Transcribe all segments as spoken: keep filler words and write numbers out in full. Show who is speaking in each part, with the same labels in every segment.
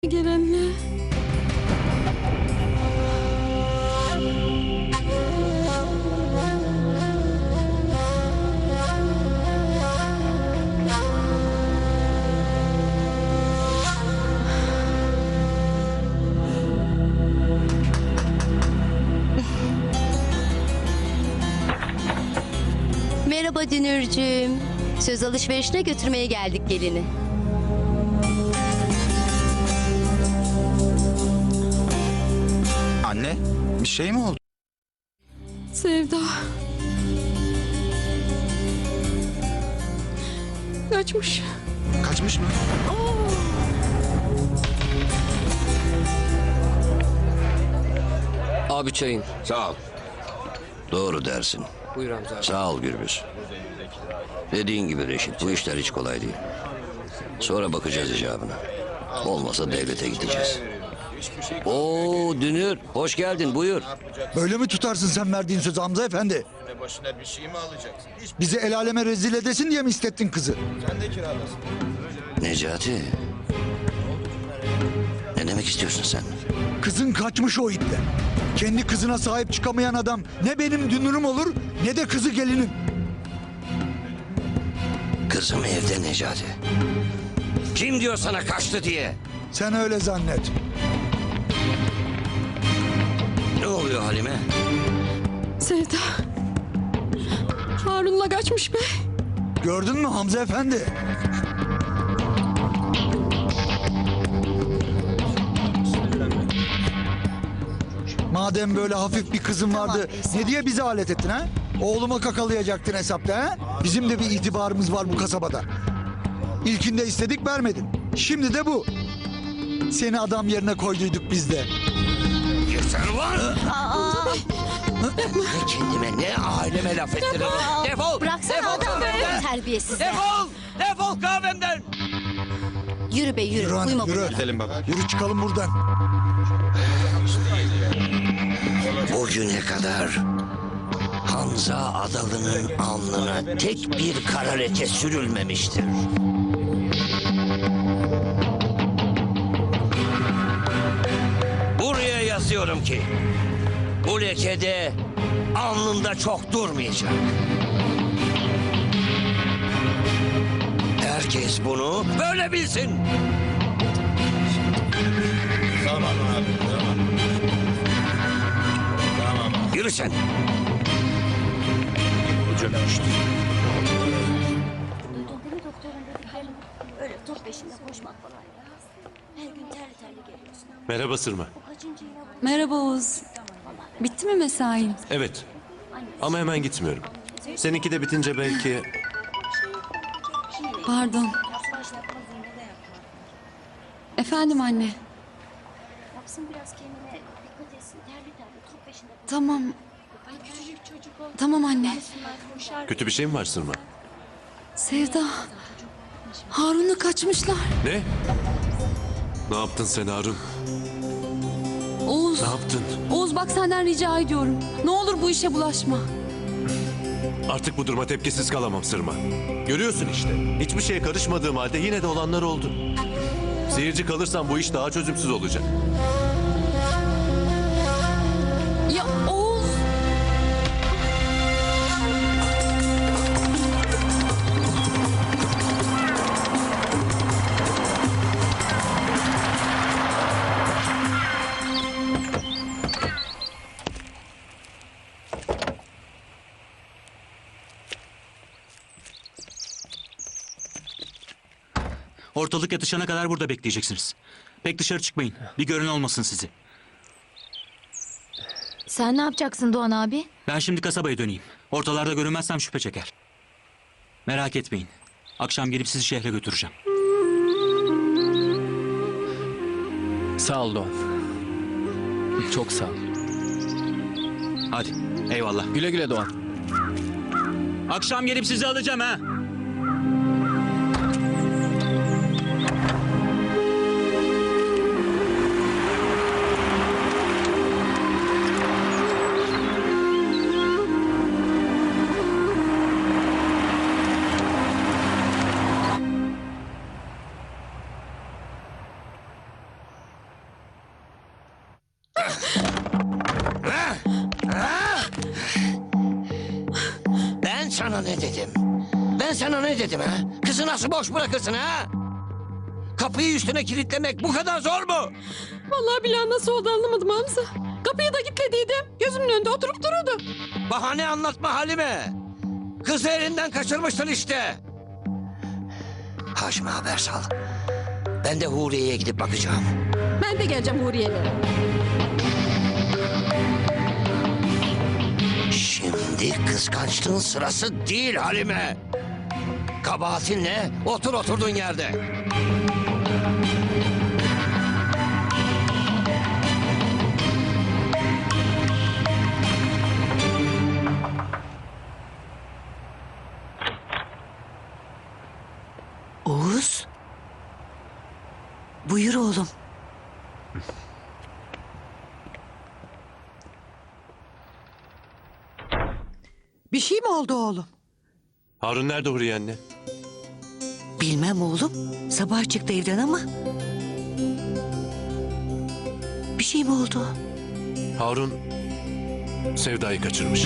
Speaker 1: Gelenle.
Speaker 2: Merhaba Dünürcüğüm. Söz alışverişine götürmeye geldik gelini.
Speaker 3: Anne, bir şey mi oldu?
Speaker 1: Sevda. Kaçmış.
Speaker 3: Kaçmış mı?
Speaker 4: Abi çayın.
Speaker 5: Sağ ol. Doğru dersin.
Speaker 4: Buyur Hamza abi.
Speaker 5: Sağ ol Gürbüz. Dediğin gibi Reşit, bu işler hiç kolay değil. Sonra bakacağız icabına. Olmasa devlete gideceğiz. Oo Dünür, hoş geldin, buyur.
Speaker 6: Böyle mi tutarsın sen verdiğin sözü Hamza Efendi?
Speaker 7: Başına bir şey mi alacaksın? Hiç
Speaker 6: Bizi el aleme rezil edesin diye mi istettin kızı?
Speaker 7: sen de kiralasın.
Speaker 5: Necati. Ne demek istiyorsun sen?
Speaker 6: Kızın kaçmış o itle. Kendi kızına sahip çıkamayan adam ne benim dünürüm olur ne de kızı gelinim.
Speaker 5: Kızım evde Necati. Kim diyor sana kaçtı diye?
Speaker 6: Sen öyle zannet.
Speaker 5: Ne oluyor Halime?
Speaker 1: Sevda. Harun'la kaçmış be.
Speaker 6: Gördün mü Hamza Efendi? Madem böyle hafif bir kızın vardı ne diye bizi alet ettin ha? Oğluma kakalayacaktın hesapta ha? Bizim de bir itibarımız var bu kasabada. İlkinde istedik vermedin. Şimdi de bu. Seni adam yerine koyduyduk biz de.
Speaker 5: Yeter var. Ne kendime ne aileme laf ettiririm. Defol.
Speaker 2: Bıraksana
Speaker 5: Defol
Speaker 2: adam
Speaker 5: kahvemden.
Speaker 2: terbiyesizler.
Speaker 5: Defol. Defol kahvemden.
Speaker 2: Yürü be yürü.
Speaker 6: Yürü hanım,
Speaker 2: Uyuma
Speaker 6: yürü.
Speaker 2: burada.
Speaker 3: Gidelim baba.
Speaker 6: Yürü çıkalım buradan.
Speaker 5: Bugüne kadar Hamza Adalı'nın alnına tek bir kara leke sürülmemiştir. Buraya yazıyorum ki bu lekede alnında çok durmayacak. Herkes bunu böyle bilsin.
Speaker 7: Tamam abi, tamam. Tamam abi.
Speaker 5: Yürü sen.
Speaker 7: Hocam işte.
Speaker 8: Duydun değil mi doktorun dediklerini? Öyle top peşinde koşmak falan ya. Her gün terli terli geliyorsun.
Speaker 9: Merhaba Sırma.
Speaker 8: Bu kaçıncı yine bu?
Speaker 1: Merhaba Oğuz. Bitti mi mesain?
Speaker 9: Evet. Ama hemen gitmiyorum. Seninki de bitince belki...
Speaker 1: Pardon. Efendim anne.
Speaker 8: Yapsın biraz kendine dikkat etsin. Terli terli top peşinde koş.
Speaker 1: Tamam.
Speaker 8: Ay küçücük çocuk o.
Speaker 1: Tamam anne.
Speaker 8: Bunlar koşar.
Speaker 9: Kötü bir şey mi var Sırma?
Speaker 1: Sevda. Harun'la kaçmışlar.
Speaker 9: Ne? Ne yaptın sen Harun?
Speaker 1: Oğuz.
Speaker 9: Ne yaptın?
Speaker 1: Oğuz bak senden rica ediyorum. Ne olur bu işe bulaşma.
Speaker 9: Artık bu duruma tepkisiz kalamam Sırma. Görüyorsun işte. Hiçbir şeye karışmadığım halde yine de olanlar oldu. Seyirci kalırsam bu iş daha çözümsüz olacak.
Speaker 1: Ya Oğuz.
Speaker 10: Ortalık yatışana kadar burada bekleyeceksiniz. Pek dışarı çıkmayın. Bir gören olmasın sizi.
Speaker 8: Sen ne yapacaksın Doğan abi?
Speaker 10: Ben şimdi kasabaya döneyim. Ortalarda görünmezsem şüphe çeker. Merak etmeyin. Akşam gelip sizi şehre götüreceğim.
Speaker 4: Sağ ol Doğan. Çok sağ ol.
Speaker 10: Hadi eyvallah.
Speaker 4: Güle güle Doğan.
Speaker 10: Akşam gelip sizi alacağım ha.
Speaker 5: sana ne dedim? Ben sana ne dedim ha? Kızı nasıl boş bırakırsın ha? Kapıyı üstüne kilitlemek bu kadar zor mu?
Speaker 1: Vallahi billahi nasıl oldu anlamadım Hamza. Kapıyı da kilitlediydim. Gözümün önünde oturup duruyordu.
Speaker 5: Bahane anlatma Halime. Kızı elinden kaçırmışsın işte. Haşim'e haber sal. Ben de Huriye'ye gidip bakacağım.
Speaker 1: Ben de geleceğim Huriye'lere.
Speaker 5: Şimdi kıskançlığın sırası değil Halime. Kabahatin ne? Otur oturduğun yerde.
Speaker 11: Oğuz. Buyur oğlum. Bir şey mi oldu oğlum?
Speaker 9: Harun nerede Huriye anne?
Speaker 11: Bilmem oğlum. Sabah çıktı evden ama. Bir şey mi oldu?
Speaker 9: Harun Sevda'yı kaçırmış.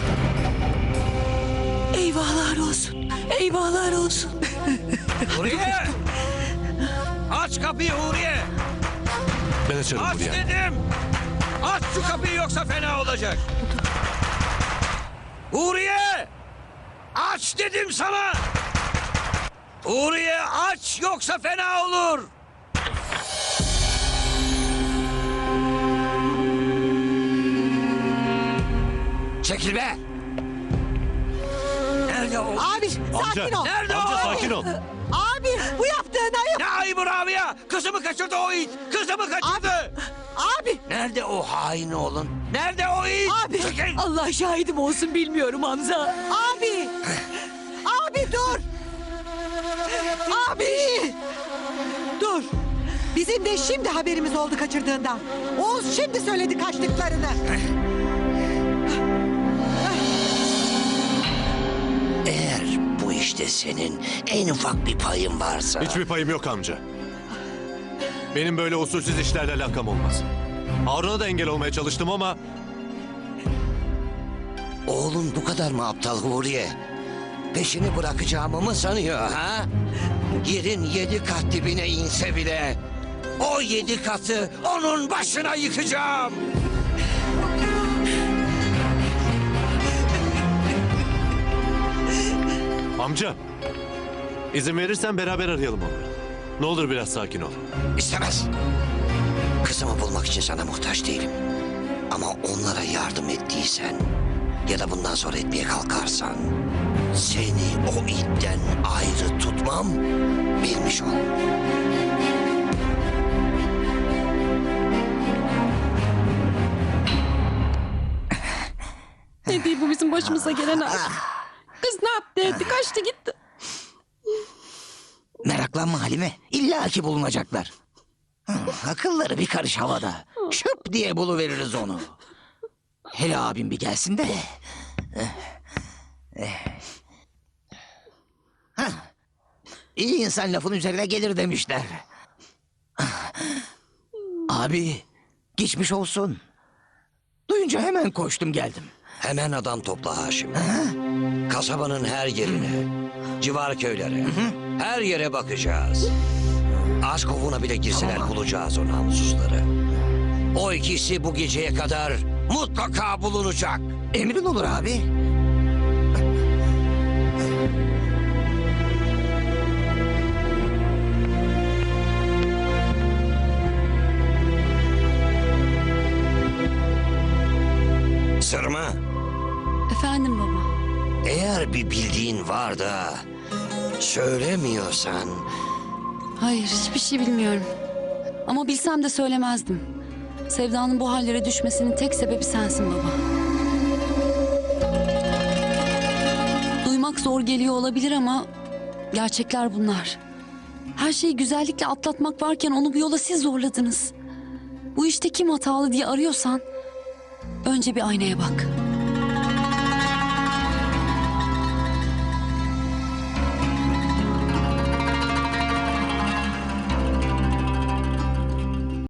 Speaker 11: Eyvahlar olsun. Eyvahlar olsun.
Speaker 5: Huriye! Aç kapıyı Huriye!
Speaker 9: Ben açarım
Speaker 5: Aç
Speaker 9: Huriye anne.
Speaker 5: dedim! Aç şu kapıyı yoksa fena olacak. Huriye! Aç dedim sana! Huriye aç yoksa fena olur! Çekil be! Nerede o?
Speaker 11: Abi sakin ol.
Speaker 5: Nerede
Speaker 9: Amca
Speaker 5: o?
Speaker 9: sakin ol.
Speaker 11: Abi bu yaptığın ayıp.
Speaker 5: Ne ayıbı Rabia? Kızımı kaçırdı o it! Kızımı kaçırdı!
Speaker 11: Abi.
Speaker 5: Nerede o hain oğlun? Nerede o it?
Speaker 11: Abi.
Speaker 5: Çekil!
Speaker 11: Allah şahidim olsun bilmiyorum Hamza. Abi. Abi dur. Abi. Dur. Bizim de şimdi haberimiz oldu kaçırdığından. Oğuz şimdi söyledi kaçtıklarını.
Speaker 5: Eğer bu işte senin en ufak bir payın varsa...
Speaker 9: Hiçbir payım yok amca. Benim böyle usulsüz işlerle alakam olmaz. Harun'a da engel olmaya çalıştım ama...
Speaker 5: Oğlun bu kadar mı aptal Huriye? Peşini bırakacağımı mı sanıyor ha? Yerin yedi kat dibine inse bile... o yedi katı onun başına yıkacağım.
Speaker 9: Amca, izin verirsen beraber arayalım onları. Ne olur biraz sakin ol.
Speaker 5: İstemez. Kızımı bulmak için sana muhtaç değilim. Ama onlara yardım ettiysen ya da bundan sonra etmeye kalkarsan seni o itten ayrı tutmam, bilmiş ol.
Speaker 1: Ne diye bu bizim başımıza gelen aşk. Kız ne yaptı etti kaçtı gitti.
Speaker 12: Meraklanma Halime. İlla ki bulunacaklar. Hı, akılları bir karış havada. Şıp diye buluveririz onu. Hele abim bir gelsin de. Hah. İyi insan lafın üzerine gelir demişler. Abi geçmiş olsun. Duyunca hemen koştum geldim.
Speaker 5: Hemen adam topla Haşim. Kasabanın her yerine, civar köylere, her yere bakacağız. Az kovuna bile girseler bulacağız o namussuzları. O ikisi bu geceye kadar mutlaka bulunacak.
Speaker 12: Emrin olur abi.
Speaker 5: Sırma,
Speaker 1: Efendim baba.
Speaker 5: eğer bir bildiğin var da söylemiyorsan...
Speaker 1: Hayır hiçbir şey bilmiyorum. Ama bilsem de söylemezdim. Sevda'nın bu hallere düşmesinin tek sebebi sensin baba. Duymak zor geliyor olabilir ama gerçekler bunlar. Her şeyi güzellikle atlatmak varken onu bu yola siz zorladınız. Bu işte kim hatalı diye arıyorsan önce bir aynaya bak.